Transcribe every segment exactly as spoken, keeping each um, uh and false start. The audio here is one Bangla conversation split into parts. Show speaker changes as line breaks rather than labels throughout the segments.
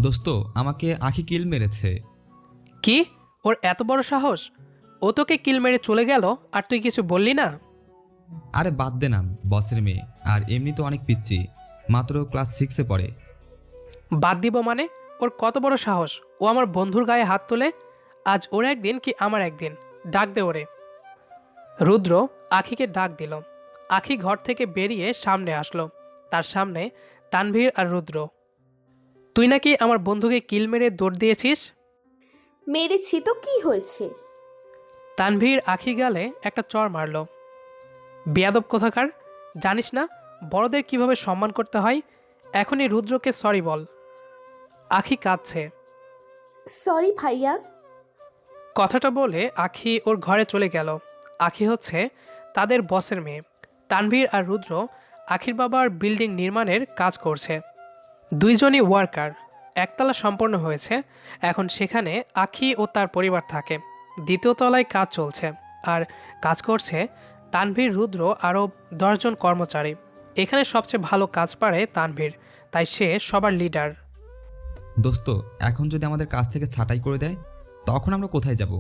দোস্ত, আমাকে আঁখি কিল মেরেছে।
কি? ওর এত বড় সাহস? ও তোকে কিল মেরে চলে গেল আর তুই কিছু বললি না?
আরে বাদ দে না, বসের মেয়ে আর এমনি তো অনেক পিচ্ছি, মাত্র ক্লাস সিক্সে পড়ে।
বাদ দিব মানে? ওর কত বড় সাহস? ও আমার বন্ধুর গায়ে হাত তোলে। আজ ওর একদিন কি আমার একদিন। ডাক দে ওরে। রুদ্র আখিকে ডাক দিল। আখি ঘর থেকে বেরিয়ে সামনে আসলো। তার সামনে তানভীর আর রুদ্র। তুই নাকি আমার বন্ধুকে কিল মেরে দৌড় দিয়েছিস?
মেরেছি তো কি হয়েছে?
তানভীর আখির গালে একটা চড় মারল। বেয়াদব কোথাকার! জানিস না বড়দের কিভাবে সম্মান করতে হয়? এখনই রুদ্রকে সরি বল। আখি কাঁদছে।
সরি ভাইয়া।
কথাটা বলে আখি ওর ঘরে চলে গেল। আখি হচ্ছে তাদের বসের মেয়ে। তানভীর আর রুদ্র আখির বাবার বিল্ডিং নির্মাণের কাজ করছে। দুইজনই ওয়ার্কার। একতলা সম্পন্ন হয়েছে। এখন সেখানে আখি ও তার পরিবার থাকে। দ্বিতীয় তলায় কাজ চলছে। আর কাজ করছে তানভীর, রুদ্র আরও দশজন কর্মচারী। এখানে সবচেয়ে ভালো কাজ পারে তানভীর, তাই সে সবার লিডার।
দোস্ত, এখন যদি আমাদের কাছ থেকে ছাঁটাই করে দেয়, তখন আমরা কোথায় যাব?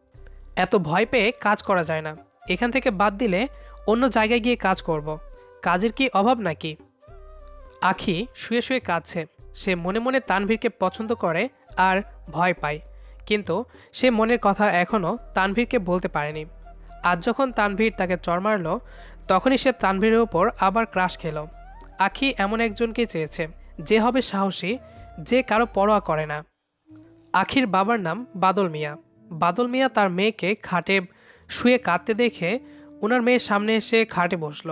এত ভয় পেয়ে কাজ করা যায় না। এখান থেকে বাদ দিলে অন্য জায়গায় গিয়ে কাজ করব। কাজের কি অভাব নাকি? আখি শুয়ে শুয়ে কাঁদছে। সে মনে মনে তানভীরকে পছন্দ করে আর ভয় পায়, কিন্তু সে মনের কথা এখনও তানভীরকে বলতে পারেনি। আজ যখন তানভীর তাকে চড় মারল, তখনই সে তানভীরের ওপর আবার ক্রাশ খেল। আখি এমন একজনকে চেয়েছে যে হবে সাহসী, যে কারো পরোয়া করে না। আখির বাবার নাম বাদল মিয়া। বাদল মিয়া তার মেয়েকে খাটে শুয়ে কাঁদতে দেখে ওনার মেয়ের সামনে এসে খাটে বসলো।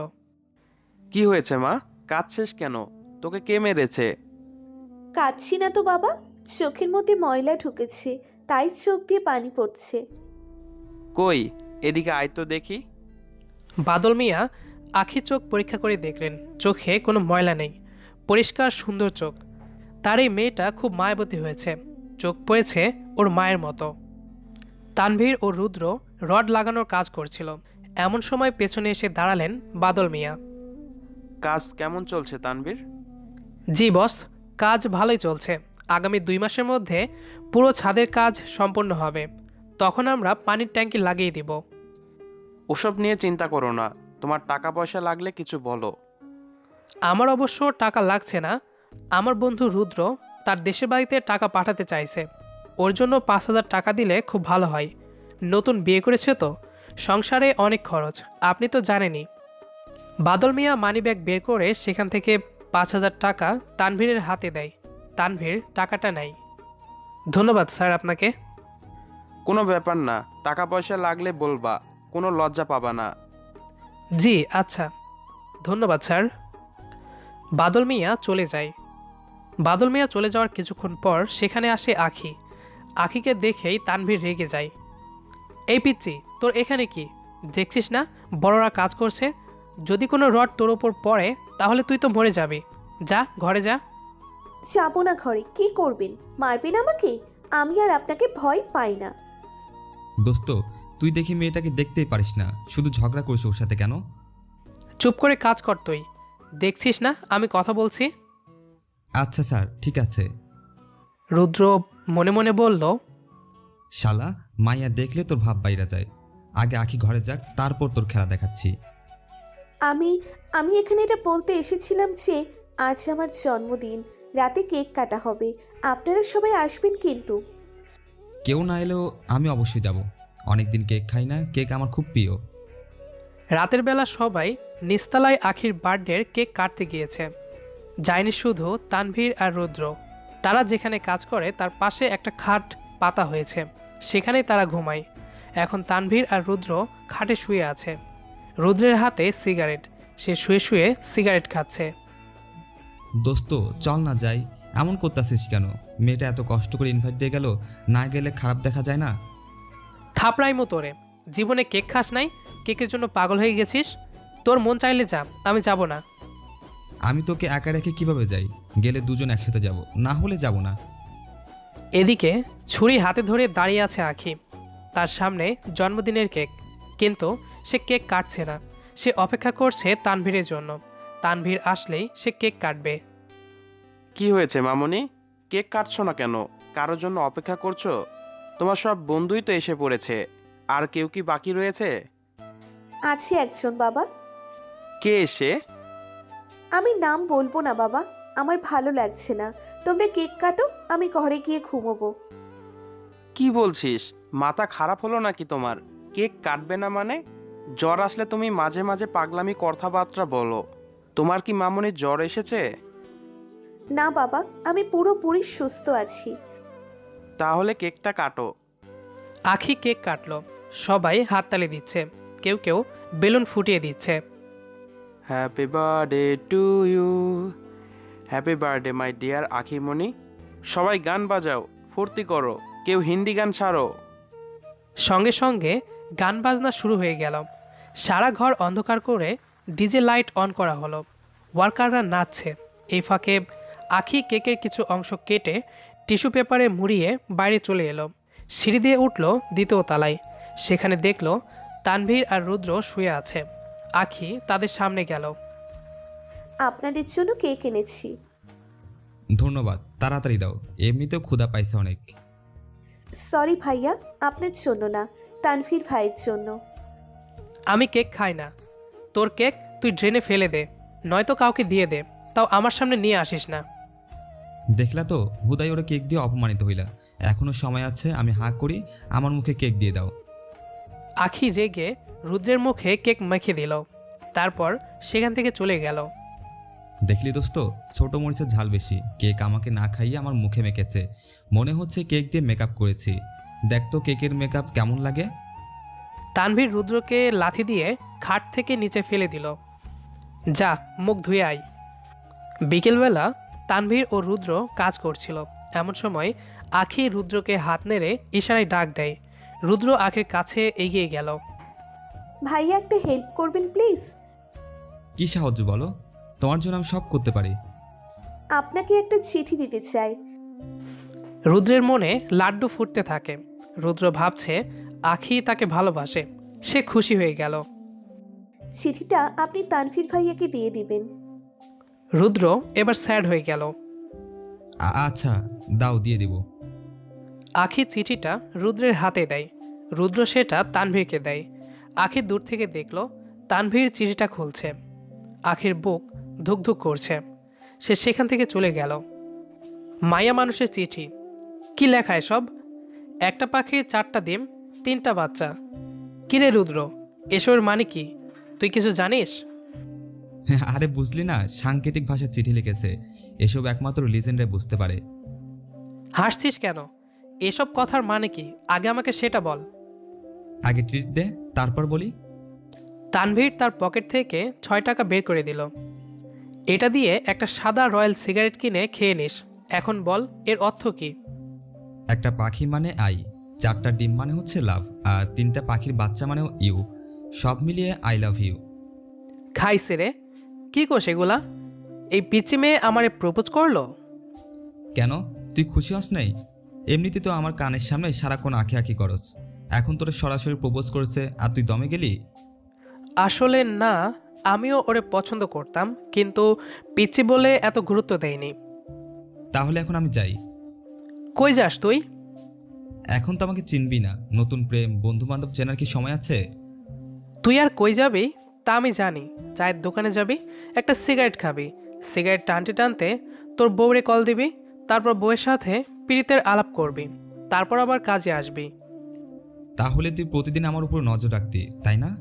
কি হয়েছে মা? কাঁদছিস কেন? তোকে কে মেরেছে?
কাঁদছি না তো বাবা, চোখের মধ্যে ময়লা ঢুকেছে, তাই চোখ দিয়ে পানি পড়ছে।
কই, এদিকে আয় তো দেখি।
বাদল মিয়া আখির চোখ পরীক্ষা করে দেখলেন। চোখে কোনো ময়লা নেই, পরিষ্কার সুন্দর চোখ। তার এই মেয়েটা খুব মায়াবতী হয়েছে। চোখ পড়েছে ওর মায়ের মতো। তানভীর ও রুদ্র রড লাগানোর কাজ করছিল। এমন সময় পেছনে এসে দাঁড়ালেন বাদল মিয়া।
কাজ কেমন চলছে তানভীর?
জি বস, কাজ ভালোই চলছে। আগামী দুই মাসের মধ্যে পুরো ছাদের কাজ সম্পন্ন হবে। তখন আমরা পানির ট্যাঙ্কি লাগিয়ে দিব।
ওসব নিয়ে চিন্তা করো না, তোমার টাকা পয়সা লাগলে কিছু বলো।
আমার অবশ্য টাকা লাগছে না। আমার বন্ধু রুদ্র তার দেশের বাড়িতে টাকা পাঠাতে চাইছে। ওর জন্য পাঁচ হাজার টাকা দিলে খুব ভালো হয়। নতুন বিয়ে করেছে তো, সংসারে অনেক খরচ, আপনি তো জানেনই। বাদল মিয়া মানিব্যাগ বের করে সেখান থেকে পাঁচ হাজার টাকা তানভীরের হাতে দেয়। তানভীর টাকাটা নেয়। ধন্যবাদ স্যার আপনাকে।
কোনো ব্যাপার না, টাকা পয়সা লাগলে বলবা, কোনো লজ্জা পাবা না।
জি আচ্ছা, ধন্যবাদ স্যার। বাদল মিয়া চলে যায়। বাদল মিয়া চলে যাওয়ার কিছুক্ষণ পর সেখানে আসে আখি। আখিকে দেখেই তানভীর রেগে যায়। এই পিচ্চি, তোর এখানে কি? দেখছিস না বড়রা কাজ করছে? যদি কোনো রড তোর ওপর পড়ে তাহলে তুই তো মরে যাবি। যা ঘরে যা।
যাবো না ঘরে। কি করবেন? মারবেন আমাকে? আমি আর আপনাকে ভয় পাই না।
দোস্ত, তুই দেখি মেয়েটাকে দেখতেই পারিস না, শুধু ঝগড়া করিস ওর সাথে কেন?
চুপ করে কাজ কর তুই। দেখছিস না আমি কথা বলছি?
আচ্ছা স্যার, ঠিক আছে।
রুদ্র মনে মনে বলল,
শালা, মাইয়া দেখলে তোর ভাব বাইরা যায়। আগে আখি ঘরে যাক, তারপর তোর খেলা দেখাচ্ছি।
আমি আমি এখানে এটা বলতে এসেছিলাম যে আজ আমার জন্মদিন, রাতে কেক কাটা হবে। আপনারা সবাই আসবেন কিন্তু।
কেউ না এলেও আমি অবশ্যই যাব। অনেকদিন কেক খাই না, কেক আমার খুব প্রিয়।
রাতের বেলা সবাই নিস্তালায় আখির বার্থডের কেক কাটতে গিয়েছে। যায়নি শুধু তানভীর আর রুদ্র। তারা যেখানে কাজ করে তার পাশে একটা খাট পাতা হয়েছে, সেখানেই তারা ঘুমায়। এখন তানভীর আর রুদ্র খাটে শুয়ে আছে। রুদ্রের হাতে সিগারেট, সে শুয়ে শুয়ে সিগারেট খাচ্ছে।
দোস্ত, চল না যাই। এমন করতেছিস কেন? মেয়েটা এত কষ্ট করে ইনভাইট দিয়ে গেল, না গেলে খারাপ দেখা যায় না?
থাপড়াইমো তোরে! জীবনে কেক খাস নাই, কেকের জন্য পাগল হয়ে গেছিস? তোর মন চাইলে যা, আমি যাব না।
আমি তোকে একা রেখে কিভাবে যাই? গেলে দুজন একসাথে যাব, না হলে যাব না।
এদিকে ছুরি হাতে ধরে দাঁড়িয়ে আছে আখি। তার সামনে জন্মদিনের কেক, কিন্তু সে কেক কাটছে না। সে অপেক্ষা করছে তানভীরের জন্য। তানভীর আসলেই সে কেক কাটবে।
কি হয়েছে মামুনি? কেক কাটছো না কেন? কারোর জন্য অপেক্ষা করছো? তোমার সব বন্ধুই তো এসে পড়েছে। আর কেউ কি বাকি রয়েছে?
আছে একজন বাবা।
কে এসে?
আমি নাম বলবো না বাবা, আমার ভালো লাগছে না। তোমরা কেক কাটো, আমি ঘরে গিয়ে ঘুমোবো।
কি বলছিস? মাথা খারাপ হলো নাকি তোমার? কেক কাটবে না মানে? জ্বর আসলে তুমি মাঝে মাঝে পাগলামি কথাবার্তা বলো। তোমার কি মামুনির জ্বর এসেছে?
না বাবা, আমি পুরোপুরি সুস্থ আছি।
তাহলে কেকটা কাটো।
আখি কেক কাটলো। সবাই হাততালি দিচ্ছে, কেউ কেউ বেলুন ফুটিয়ে দিচ্ছে।
Happy birthday to you. Happy birthday my dear Akhimoni. সবাই গান বাজাও, ফুর্তি করো, কেউ হিন্দি গান ছাড়ো।
সঙ্গে সঙ্গে গান বাজনা শুরু হয়ে গেল। সারা ঘর অন্ধকার করে ডিজে লাইট অন করা হলো। ওয়ার্কাররা নাচছে। এই ফাঁকে আখি কেকের কিছু অংশ কেটে টিস্যু পেপারে মুড়িয়ে বাইরে চলে এলো। সিঁড়ি দিয়ে উঠল দ্বিতীয় তলায়। সেখানে দেখল তানভীর আর রুদ্র শুয়ে আছে। আখি তাদের সামনে গেল।
আপনাদের জন্য কেক এনেছি।
ধন্যবাদ, তাড়াতাড়ি দাও, এমনিতেও ক্ষুধা পাইছে অনেক।
সরি ভাইয়া, আপনার জন্য না, তানভীর ভাইয়ের জন্য।
আমি কেক খাই না। তোর কেক তুই ড্রেনে ফেলে দে, নয়তো কাউকে দিয়ে দে, তাও আমার সামনে নিয়ে আসিস না।
দেখলা তো, হুদাই ওরা কেক দিয়ে অপমানিত হইলা। এখনো সময় আছে, আমি হাঁ করি, আমার মুখে কেক দিয়ে দাও।
আখি রেগে রুদ্রের মুখে কেক মেখে দিল, তারপর সেখান থেকে চলে গেল।
দেখলি দোস্ত, ছোট মরিচের ঝাল বেশি। কেক আমাকে না খাইয়ে আমার মুখে মেখেছে। মনে হচ্ছে কেক দিয়ে মেকআপ করেছি। দেখ তো কেকের মেকআপ কেমন লাগে।
তানভীর রুদ্রকে লাথি দিয়ে খাট থেকে নিচে ফেলে দিল। যা, মুখ ধুয়ে আয়। বিকেলবেলা তানভীর ও রুদ্র কাজ করছিল। এমন সময় আখি রুদ্রকে হাত নেড়ে ইশারায় ডাক দেয়। রুদ্র আখির কাছে এগিয়ে গেল।
ভাইয়া একটা হেল্প করবেন প্লিজ?
কি সাহায্য বলো, তোমার জন্য আমি সব করতে পারি।
আপনাকে একটা চিঠি দিতে চাই।
রুদ্রের মনে লাড্ডু ফুটতে থাকে। রুদ্র ভাবছে আখি তাকে ভালোবাসে। সে খুশি হয়ে গেল।
চিঠিটা আপনি তানভীর ভাইয়াকে দিয়ে দিবেন।
রুদ্র এবার স্যাড হয়ে গেল।
আ- আচ্ছা, দাও, দিয়ে দিব।
আখি চিঠিটা রুদ্রের হাতে দেয়। রুদ্র সেটা তানভীরকে দেয়। আখি দূর থেকে দেখল তানভীর চিঠিটা খুলছে। আখির বুক ধুকধুক করছে। সে সেখান থেকে চলে গেল। মায়া মানুষের চিঠি, কি লেখা এসব? একটা পাখির চারটা ডিম, তিনটা বাচ্চা। কিরে রুদ্র, এসবের মানে কি? তুই কিছু জানিস?
আরে বুঝলি না, সাংকেতিক ভাষায় চিঠি লিখেছে। এসব একমাত্র লিজেন্ডে বুঝতে পারে।
হাসছিস কেন? এসব কথার মানে কি আগে আমাকে সেটা বল।
আগে ট্রিট দে, তারপর বলি।
তানভীর তার পকেট থেকে ছয় টাকা বের করে দিল। এটা দিয়ে একটা সাদা রয়্যাল সিগারেট কিনে খেয়ে নিস। এখন বল, এর অর্থ কি?
একটা পাখি মানে আই, চারটা ডিম মানে হচ্ছে লাভ, আর তিনটা পাখির বাচ্চা মানেও ইউ। সব মিলিয়ে আই লাভ ইউ।
খাইছে রে, কি কোষ এগুলা? এই পিচি মেয়ে আমারে প্রপোজ করলো?
কেন, তুই খুশি হস নাই? এমনিতে তো আমার কানের সামনে সারাক্ষণ আঁকি আঁকি করস। এখন তোর সরাসরি প্রপোজ করেছে আর তুই দমে গেলি?
আসলে না, আমিও ওরে পছন্দ করতাম, কিন্তু পিচি বলে এত গুরুত্ব দেয়নি।
তাহলে এখন আমি যাই।
কই যাস তুই?
এখন তো আমাকে চিনবি না, নতুন প্রেম, বন্ধু বান্ধব চেনার কি সময় আছে?
তুই আর কই যাবি তা আমি জানি। চায়ের দোকানে যাবি, একটা সিগারেট খাবি, সিগারেট টানতে টানতে তোর বউরে কল দিবি, তারপর বউয়ের সাথে পীড়িতের আলাপ করবি, তারপর আবার কাজে আসবি।
তাহলে তুই প্রতিদিন আমার উপর নজর রাখতি, তাই না?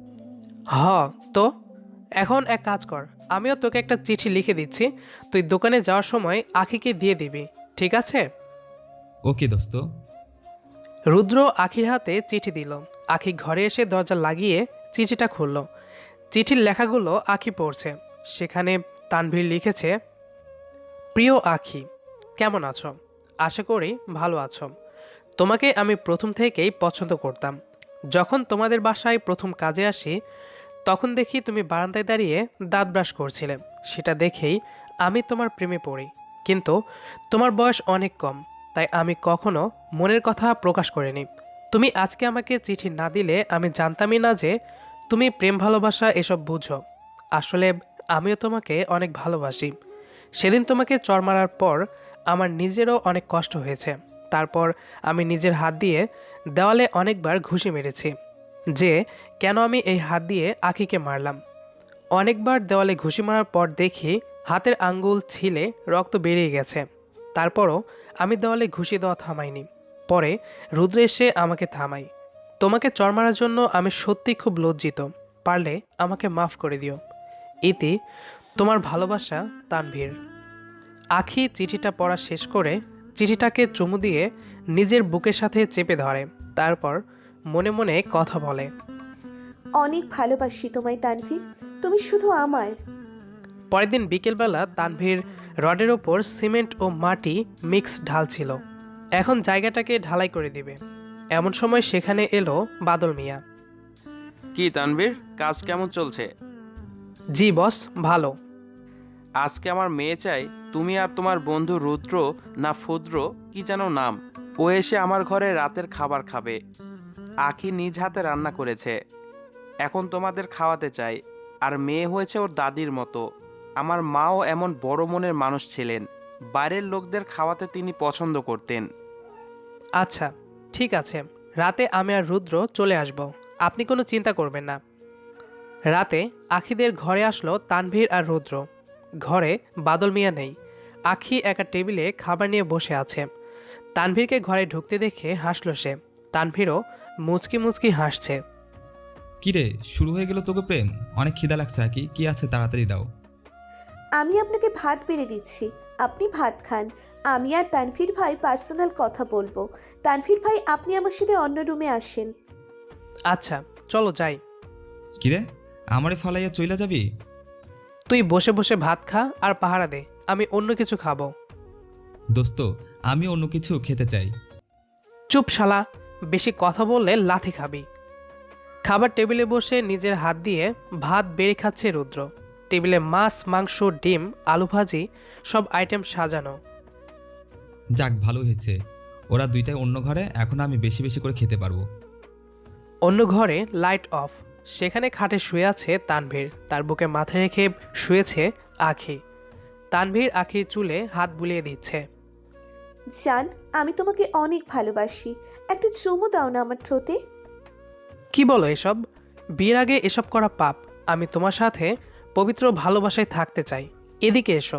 হ, তো এখন এক কাজ কর, আমিও তোকে একটা চিঠি লিখে দিচ্ছি, তুই দোকানে যাওয়ার সময় আখিকে দিয়ে দিবি, ঠিক আছে?
ওকে দোস্ত।
রুদ্র আখির হাতে চিঠি দিল। আখি ঘরে এসে দরজা লাগিয়ে চিঠিটা খুলল। চিঠির লেখাগুলো আখি পড়ছে। সেখানে তানভীর লিখেছে, প্রিয় আখি, কেমন আছো? আশা করি ভালো আছো। তোমাকে আমি প্রথম থেকেই পছন্দ করতাম। যখন তোমাদের বাসায় প্রথম কাজে আসি, তখন দেখি তুমি বারান্দায় দাঁড়িয়ে দাঁত ব্রাশ করছিলে। সেটা দেখেই আমি তোমার প্রেমে পড়ি। কিন্তু তোমার বয়স অনেক কম, তাই আমি কখনো মনের কথা প্রকাশ করিনি। তুমি আজকে আমাকে চিঠি না দিলে আমি জানতামই না যে তুমি প্রেম ভালোবাসা এসব বুঝো। আসলে আমিও তোমাকে অনেক ভালোবাসি। সেদিন তোমাকে চর মারার পর আমার নিজেরও অনেক কষ্ট হয়েছে। তারপর আমি নিজের হাত দিয়ে দেওয়ালে অনেকবার ঘুষি মেরেছি যে কেন আমি এই হাত দিয়ে আখিকে মারলাম। অনেকবার দেওয়ালে ঘুষি মারার পর দেখি হাতের আঙ্গুল ছিলে রক্ত বেরিয়ে গেছে। তারপরও আমি দেওয়ালে ঘুষি দেওয়া থামাইনি। পরে রুদ্র এসে আমাকে থামাই। তোমাকে চর মারার জন্য আমি সত্যি খুব লজ্জিত। পারলে আমাকে মাফ করে দিও। ইতি, তোমার ভালোবাসা, তানভীর। আখি চিঠিটা পড়া শেষ করে চিঠিটাকে চুমু দিয়ে নিজের বুকের সাথে চেপে ধরে। তারপর মনে মনে কথা বলে।
অনেক ভালোবাসি তোমায় তানভীর, তুমি শুধু আমার।
পরের দিন বিকেলবেলা তানভীর রডের ওপর সিমেন্ট ও মাটি মিক্স ঢালছিল। এখন জায়গাটাকে ঢালাই করে দিবে। এমন সময় সেখানে এলো বাদল মিয়া।
কি তানভীর, কাজ কেমন চলছে?
জি বস, ভালো।
আজকে আমার মেয়ে চাই তুমি আর তোমার বন্ধু রুদ্র না ফুদ্র কি যেন নাম, ও এসে আমার ঘরে রাতের খাবার খাবে। আখি নিজ হাতে রান্না করেছে, এখন তোমাদের খাওয়াতে চাই। আর মেয়ে হয়েছে ওর দাদির মতো। আমার মাও এমন বড় মনের মানুষ ছিলেন, বাইরের লোকদের খাওয়াতে তিনি পছন্দ করতেন।
আচ্ছা ঠিক আছে, রাতে আমি আর রুদ্র চলে আসব, আপনি কোনো চিন্তা করবেন না। রাতে আখিদের ঘরে আসলো তানভীর আর রুদ্র। ঘরে বাদল মিয়া নেই। আখি একা টেবিলে খাবার নিয়ে বসে আছে। তানভীরকে ঘরে ঢুকতে দেখে হাসলো সে। তানভীরও মুচকি মুচকি হাসছে।
কিরে, শুরু হয়ে গেল তোকে প্রেম? অনেক খিদা লাগছে আকি, কি আছে তাড়াতাড়ি দাও।
আমি আপনাকে ভাত বেড়ে দিচ্ছি, আপনি ভাত খান। আমি আর তানভীর ভাই পার্সোনাল কথা বলবো। তানভীর ভাই, আপনি আমার সাথে অন্য রুমে আসেন।
আচ্ছা চলো যাই।
কিরে, আমারে ফালাইয়া চইলা যাবি?
তুই বসে বসে ভাত খা আর পাহারা দে, আমি অন্য কিছু খাবো।
দোস্ত, আমি অন্য কিছু খেতে চাই।
চুপ শালা, বেশি কথা বললে লাথি খাবি। খাবার টেবিলে বসে নিজের হাত দিয়ে ভাত বেড়ে খাচ্ছে রুদ্র। টেবিলে মাছ, মাংস, ডিম, আলু ভাজি সব আইটেম সাজানো।
যাক, ভালো হয়েছে। ওরা দুইটাই অন্য ঘরে, এখন আমি বেশি বেশি করে খেতে পারবো।
অন্য ঘরে লাইট অফ। সেখানে খাটে শুয়ে আছে তানভীর, তার বুকে মাথা রেখে শুয়েছে আখি। তানভীর আখির চুলে হাত বুলিয়ে দিচ্ছে।
জান, আমি তোমাকে অনেক ভালোবাসি, একটা চুমু দাও না আমার ঠোঁটে।
কি বলো এসব? বিয়ের আগে এসব করা পাপ। আমি তোমার সাথে পবিত্র ভালোবাসায় থাকতে চাই, এদিকে এসো।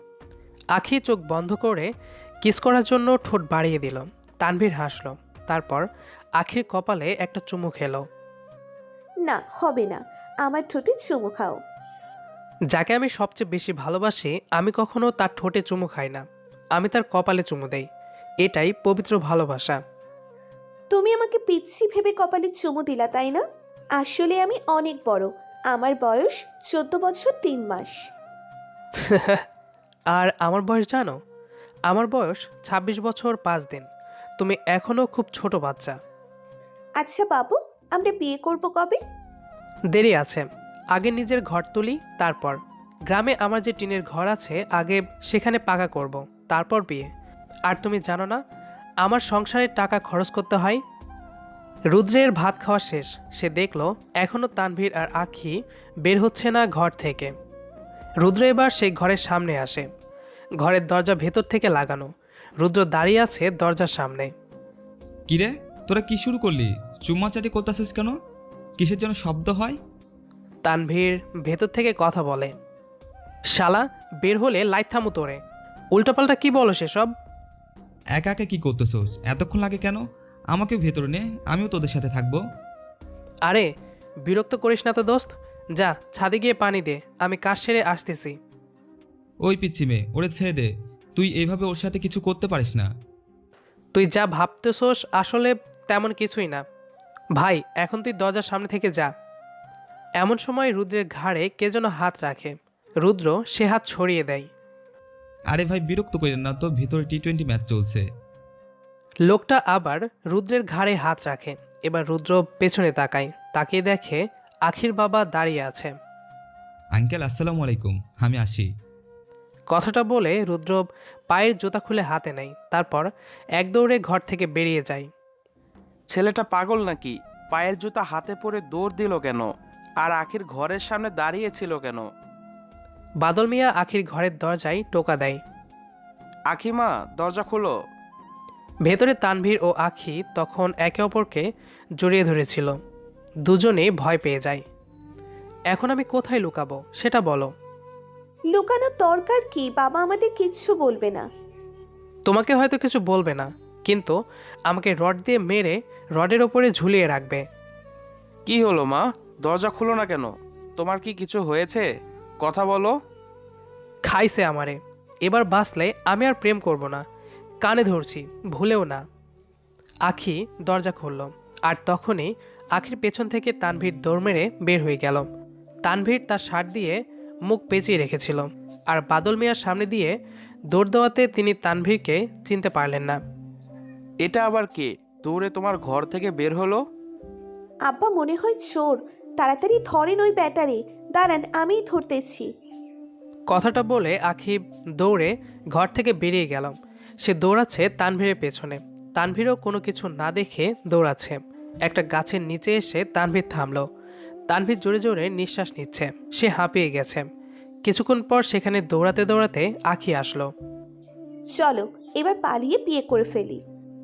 আখি চোখ বন্ধ করে কিস করার জন্য ঠোঁট বাড়িয়ে দিল। তানভীর হাসল। তারপর আখির কপালে একটা চুমু খেলো।
না, হবে না, আমার ঠোঁটে চুমু খাও।
যাকে আমি সবচেয়ে বেশি ভালোবাসি, আমি কখনো তার ঠোঁটে চুমু খাই না, আমি তার কপালে চুমু দেই। এটাই পবিত্র ভালোবাসা।
তুমি আমাকে পিচ্ছি ভেবে কপালে চুমু দিলা, তাই না? আসলে আমি অনেক বড়, আমার বয়স চোদ্দ বছর তিন মাস।
আর আমার বয়স জানো? আমার বয়স ছাব্বিশ বছর পাঁচ দিন। তুমি এখনো খুব ছোট বাচ্চা।
আচ্ছা বাবু, আমরা বিয়ে করব কবে?
দেরি আছে, আগে নিজের ঘর তুলি, তারপর। গ্রামে আমার যে টিনের ঘর আছে, আগে সেখানে পাকা করব, তারপর বিয়ে। আর তুমি জানো না আমার সংসারের টাকা খরচ করতে হয়। রুদ্রের ভাত খাওয়া শেষ। সে দেখলো এখনও তানভীর আর আখি বের হচ্ছে না ঘর থেকে। রুদ্র এবার সেই ঘরের সামনে আসে। ঘরের দরজা ভেতর থেকে লাগানো। রুদ্র দাঁড়িয়ে আছে দরজার সামনে।
কিরে, তোরা কি শুরু করলি? চুম্মাচাটি করতেছিস কেন? কিসের জন্য শব্দ হয়?
তানভীর ভেতর থেকে কথা বলে। শালা, বের হলে লাইট থামু তোরে। উল্টাপাল্টা কি বলো সেসব?
একা একা কি করতেছোস? এতক্ষণ লাগে কেন? আমাকেও ভেতরে নে, আমিও তোদের সাথে থাকবো।
আরে বিরক্ত করিস না তো দোস্ত, যা ছাদে গিয়ে পানি দে, আমি কাজ সেরে আসতেছি।
ওই পিচ্ছি মেয়ে, ওরে ছেড়ে দে। তুই এইভাবে ওর সাথে কিছু করতে পারিস না।
তুই যা ভাবতেছোস আসলে তেমন কিছুই না। ভাই, এখন তুই দরজার সামনে থেকে যা। এমন সময় রুদ্রের ঘাড়ে কে যেন হাত রাখে। রুদ্র সে হাত ছড়িয়ে দেয়।
আরে ভাই, বিরক্ত করেন না তো, ভিতরে টি টোয়েন্টি ম্যাচ চলছে।
লোকটা আবার রুদ্রের ঘাড়ে হাত রাখে। এবার রুদ্র পেছনে তাকায়, তাকিয়ে দেখে আখির বাবা দাঁড়িয়ে আছে।
আঙ্কেল, আসসালামু আলাইকুম, আমি আসি।
কথাটা বলে রুদ্র পায়ের জুতা খুলে হাতে নেয়। তারপর এক দৌড়ে ঘর থেকে বেরিয়ে যায়।
ছেলেটা পাগল নাকি? পায়ের জুতা হাতে পরে দৌড় দিল কেন? আর আখির ঘরের সামনে দাঁড়িয়েছিল কেন?
বাদল মিয়া আখির ঘরের দরজায় টোকা দেয়।
আখিমা, দরজা খোলো।
ভেতরে তানভীর ও আখি তখন একে অপরকে জড়িয়ে ধরেছিল। দুজনেই ভয় পেয়ে যায়। এখন আমি কোথায় লুকাবো সেটা বলো।
লুকানোর দরকার কি? বাবা আমাদের কিচ্ছু বলবে না।
তোমাকে হয়তো কিছু বলবে না, কিন্তু আমাকে রড দিয়ে মেরে রডের ওপরে ঝুলিয়ে রাখবে।
কি হলো মা, দরজা খুলো না কেন? তোমার কি কিছু হয়েছে? কথা বলো।
খাইছে আমারে। এবার বাঁচলে আমি আর প্রেম করব না। কানে ধরছি, ভুলেও না। আখি দরজা খুলল, আর তখনই আখির পেছন থেকে তানভীর দৌড় মেরে বের হয়ে গেল। তানভীর তার শার্ট দিয়ে মুখ পেঁচিয়ে রেখেছিল, আর বাদল মিয়ার সামনে দিয়ে দৌড় দেওয়াতে তিনি তানভীরকে চিনতে পারলেন না।
এটা আবার কে দৌড়ে তোমার ঘর থেকে বের হলো?
আব্বা মনে হয় চোর। তাড়াতাড়ি ধরেন ওই ব্যাটারে। দাঁড়ান, আমিই ধরতেছি।
কথাটা বলে আখি দৌড়ে ঘর থেকে বেরিয়ে গেল। সে দৌড়াচ্ছে তানভীরের পেছনে। তানভীরও কোনো কিছু না দেখে দৌড়াচ্ছে। একটা গাছের নিচে এসে তানভীর থামল। তানভীর জোরে জোরে নিঃশ্বাস নিচ্ছে। সে হাঁপিয়ে গেছে। কিছুক্ষণ পর সেখানে দৌড়াতে দৌড়াতে আখি আসলো।
চলো এবার পালিয়ে বিয়ে করে ফেলি।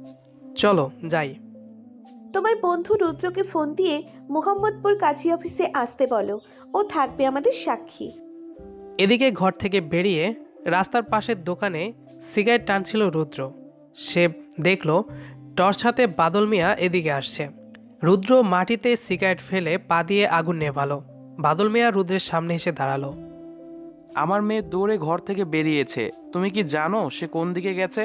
চলো যাই।
তোমার বন্ধু রুদ্রকে ফোন দিয়ে মুহাম্মদপুর কাজী অফিসে আসতে বলো। ও থাকবে আমাদের সাক্ষী।
এদিকে ঘর থেকে বেরিয়ে রাস্তার পাশের দোকানে সিগারেট টানছিল রুদ্র। সে দেখল টর্চ হাতে বাদল মিয়া এদিকে আসছে। রুদ্র মাটিতে সিগারেট ফেলে পা দিয়ে আগুন নেভালো। বাদল মিয়া রুদ্রের সামনে এসে দাঁড়ালো।
আমার মেয়ে দৌড়ে ঘর থেকে বেরিয়েছে, তুমি কি জানো সে কোন দিকে গেছে?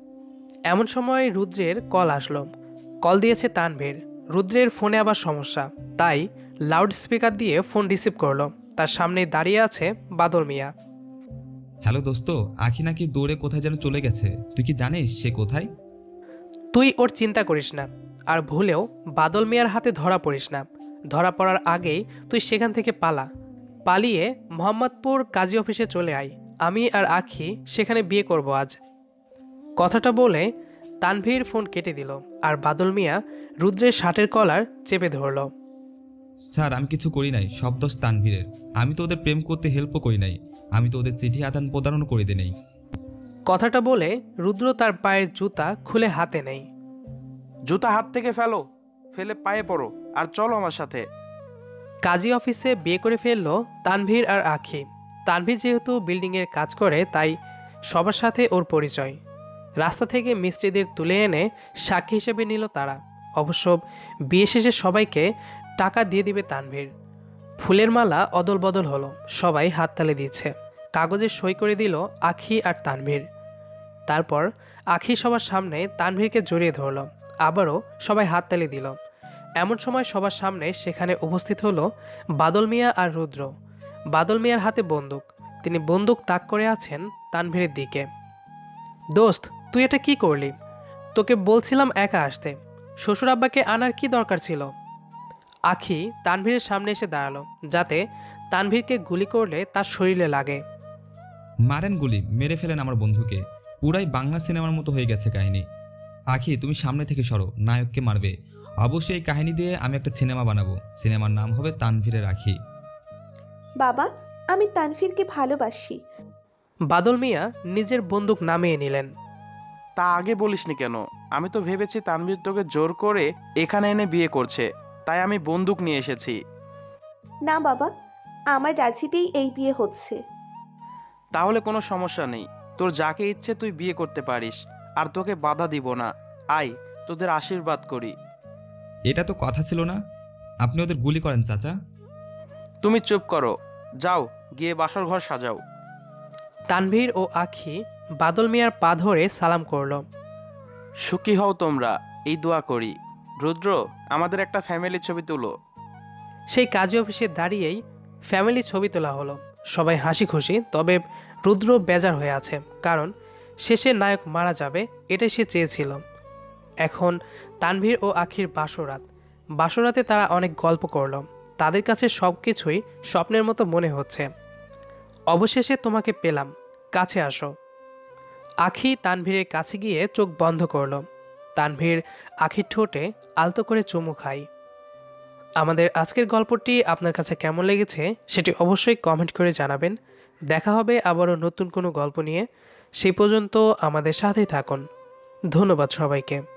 এমন সময় রুদ্রের কল আসলো। কল দিয়েছে তানভীর। রুদ্রের ফোনে আবার সমস্যা, তাই লাউড স্পিকার দিয়ে ফোন রিসিভ করলো। তার সামনে দাঁড়িয়ে আছে বাদল মিয়া।
হ্যালো দোস্ত, আখি নাকি দৌড়ে কোথায় যেন চলে গেছে। তুই কি জানিস সে কোথায়?
তুই ওর চিন্তা করিস না, আর ভুলেও বাদল মিয়ার হাতে ধরা পড়িস না। ধরা পড়ার আগেই তুই সেখান থেকে পালা। পালিয়ে মোহাম্মদপুর কাজী অফিসে চলে আয়। আমি আর আখি সেখানে বিয়ে করব আজ। কথাটা বলে তানভীর ফোন কেটে দিল, আর বাদল মিয়া রুদ্রের শার্টের কলার চেপে ধরল।
স্যার, আমি কিছু করি নাই, সব দোষ তানভীরের। আমি তো ওদের প্রেম করতে হেল্পও করি নাই। আমি তো ওদের চিঠি আদান প্রদানও করে দিই নাই।
কথাটা বলে রুদ্র তার পায়ের জুতা খুলে হাতে নেয়।
জুতা হাত থেকে ফেলো, ফেলে পায়ে পড়ো আর চলো আমার সাথে।
কাজী অফিসে বিয়ে করে ফেললো তানভীর আর আখি। তানভীর যেহেতু বিল্ডিংয়ের কাজ করে, তাই সবার সাথে ওর পরিচয়। রাস্তা থেকে মিস্ত্রিদের তুলে এনে সাক্ষী হিসেবে নিল তারা। অবশ্য বিয়ে শেষে সবাইকে টাকা দিয়ে দিবে তানভীর। ফুলের মালা অদল বদল হলো, সবাই হাততালি দিচ্ছে। কাগজে সই করে দিল আখি আর তানভীর। তারপর আখি সবার সামনে তানভীরকে জড়িয়ে ধরল। আবারও সবাই হাততালি দিল। এমন সময় সবার সামনে সেখানে উপস্থিত হলো বাদল মিয়া আর রুদ্র। বাদল মিয়ার হাতে বন্দুক। তিনি বন্দুক তাক করে আছেন তানভীরের দিকে। দোস্ত, তুই এটা কি করলি? তোকে বলছিলাম একা আসতে। শ্বশুর আব্বাকে আনার কি দরকার ছিল? আখি তানভীরের সামনে এসে দাঁড়ালো, যাতে তানভীরকে গুলি করলে তার শরীরে লাগে।
মারেন গুলি, মেরে ফেলেন আমার বন্ধুকে। পুরাই বাংলা সিনেমার মতো হয়ে গেছে কাহিনী। আখি, তুমি সামনে থেকে সরো, নায়ককে মারবে। অবশ্যই এই কাহিনী দিয়ে আমি একটা সিনেমা বানাবো। সিনেমার নাম হবে তানভীরের আখি।
বাবা, আমি তানভীরকে ভালোবাসি।
বাদল মিয়া নিজের বন্দুক নামিয়ে নিলেন।
তা আগে বলিসনি কেন? আমি তো ভেবেছি তানভীর তোকে জোর করে এখানে এনে বিয়ে করছে, তাই আমি বন্দুক নিয়ে এসেছি।
না বাবা, আমার রাজিতেই এই বিয়ে হচ্ছে।
তাহলে কোনো সমস্যা নেই, তোর যাকে ইচ্ছে তুই বিয়ে করতে পারিস, আর তোকে বাধা দিব না। আয়, তোদের আশীর্বাদ করি।
এটা তো কথা ছিল না। আপনি ওদের গুলি করেন চাচা।
তুমি চুপ করো, যাও গিয়ে বাসর ঘর সাজাও।
তানভীর ও আখি বাদল মিয়ার পা ধরে সালাম করল।
সুখী হও তোমরা, এই দোয়া করি। রুদ্র, আমাদের একটা ফ্যামিলি ছবি তুলো।
সেই কাজী অফিসে দাঁড়িয়েই ফ্যামিলি ছবি তোলা হলো। সবাই হাসি খুশি, তবে রুদ্র বেজার হয়ে আছে, কারণ শেষে নায়ক মারা যাবে, এটাই সে চেয়েছিল। এখন তানভীর ও আখির বাসরাত। বাসরাতে তারা অনেক গল্প করল। তাদের কাছে সব কিছুই স্বপ্নের মতো মনে হচ্ছে। অবশেষে তোমাকে পেলাম, কাছে আসো। আখি তানভীরের কাছে গিয়ে চোখ বন্ধ করল। তানভীর আখির ঠোঁটে আলতো করে চুমু খায়। আমাদের আজকের গল্পটি আপনার কাছে কেমন লেগেছে সেটি অবশ্যই কমেন্ট করে জানাবেন। দেখা হবে আবারও নতুন কোনো গল্প নিয়ে। সেই পর্যন্ত আমাদের সাথেই থাকুন। ধন্যবাদ সবাইকে।